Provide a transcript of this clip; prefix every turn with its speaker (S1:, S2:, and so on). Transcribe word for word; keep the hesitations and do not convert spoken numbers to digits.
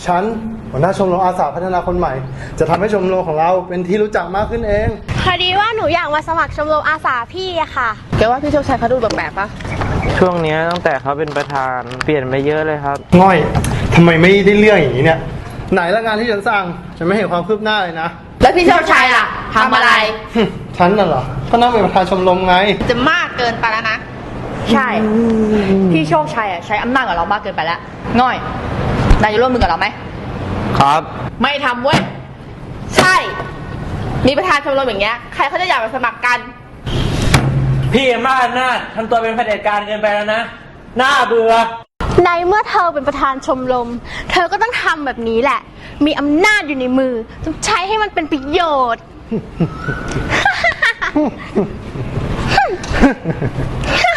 S1: ฉันหัวหน้าชมรมอาสาพัฒนาคนใหม่จะทำให้ชมรมของเราเป็นที่รู้จักมากขึ้นเอง
S2: พอดีว่าหนูอยากมาสมัครชมรมอาสาพี่อะค่ะ
S3: แกว่าพี่โชคชัยเขาดูแปลกๆปะ
S4: ช่วงนี้ตั้งแต่เขาเป็นประธานเปลี่ยนไปเยอะเลยครับ
S1: ง่อยทำไมไม่ได้เรื่องอย่างนี้เนี่ยไหนละงานที่ฉันสั่งฉันไม่เห็นความคืบหน้าเลยนะ
S3: แล้วพี่โชคชัยล่ะทำอะไร
S1: ฉันน่ะเหรอก็นั่งเป็นประธานชมรมไง
S3: จะมากเกินไปแล้วนะใช่พี่โชคชัยอ่ะใช้อำนาจกับเรามากเกินไปแล้วง่อยนายจะร่วมมือกับเราไหม
S4: ครับ
S3: ไม่ทำเว้ยใช่มีประธานชมรมอย่างเงี้ยใครเขาจะอยากมาสมัครกัน
S4: พี่มากน่าทำตัวเป็นเผด็จการเกินไปแล้วนะน่าเบื่อ
S2: ในเมื่อเธอเป็นประธานชมรมเธอก็ต้องทำแบบนี้แหละมีอำนาจอยู่ในมือต้องใช้ให้มันเป็นประโยชน์